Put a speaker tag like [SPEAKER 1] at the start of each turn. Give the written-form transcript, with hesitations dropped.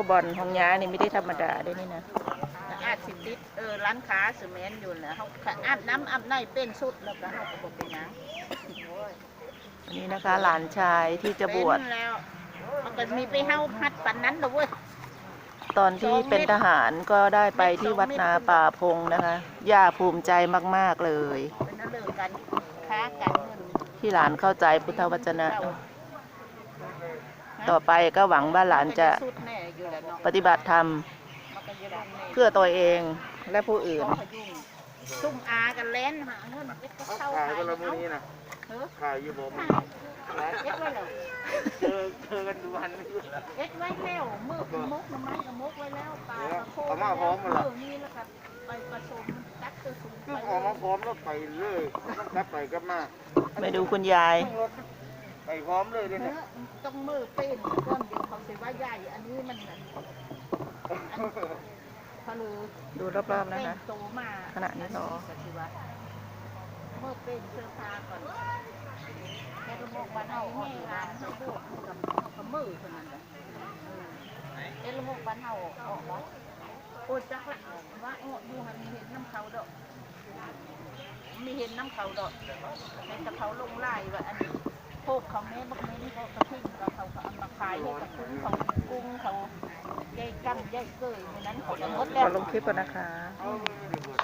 [SPEAKER 1] บอลของยานี่ไม่ได้ธรรมดาด้วยนี่นะ
[SPEAKER 2] อาจสิติดร้านค้าสแมนอยู่นะเขาอาบน้ำอาบในเป็นสุดแล้วก็เขาก็บอกเป็นยัง
[SPEAKER 1] อันนี้นะคะหลานชายที่จะบวช
[SPEAKER 2] แล้วมันก็มีไปเฮาพัดปันนั้นเลย
[SPEAKER 1] ตอนที่เป็นทหารก็ได้ไปที่วัดนาป่าพงนะคะย่าภูมิใจมากๆเลย
[SPEAKER 2] เป็นนั่นเลยกันค้ากันเงิน
[SPEAKER 1] ที่หลานเข้าใจพุทธวจนะต่อไปก็หวังว่าหลานจะปฏิบัติธรรมเพื่อตัวเองและผู้อื่น
[SPEAKER 2] ซุ่มอากันเล่นหาเงินไปเข้าขาย
[SPEAKER 3] กันละมื้อนี้นะขายอยู่บ่มี
[SPEAKER 2] เอ็ดไว้แล้ว
[SPEAKER 3] เจอกันดูวันนี้
[SPEAKER 2] เอ็ดไว้แล้วมือมุกน้ำมันกับมุกไว้แล้วปลาโค
[SPEAKER 3] มาพร้อมกันละ
[SPEAKER 2] นี่แล้วก็ไปผสมตักตัวสูง
[SPEAKER 3] ไปออกมาพร้อมแล้วไปเลยกลับไปกลับมา
[SPEAKER 1] ไปดูคุณยาย
[SPEAKER 3] ไปพร้อมเลยด้วยเนี่ย
[SPEAKER 2] ต้องมือเป็นก้อนเดียวเขาเสียว่าใหญ่อันนี้มันพลือ
[SPEAKER 1] ดูรอบๆนะคะขณะนี้รอ
[SPEAKER 2] เมื่อเป็นเสื้อผ้าก่อนแค่ระบบบ้านเฮาแม่ร้านเขาบวกกับมือเท่านั้นแหละแค่ระบบบ้านเฮาออกแล้วโอ้จักละว่าดูหันมีเห็นน้ำเขาดอกมีเห็นน้ำเขาดอกแต่กระเขาลงไล่ว่าอันนี้พวกเขาแม่บักแม่นี่เขากระทิ้งเขาเอามาขายให้กับคุ้งเขากุ้งเขาใหญ่กั้งใหญ่เกยในนั้นเขาจะหมดแล้ว
[SPEAKER 1] ลงคลิปก่อนนะคะ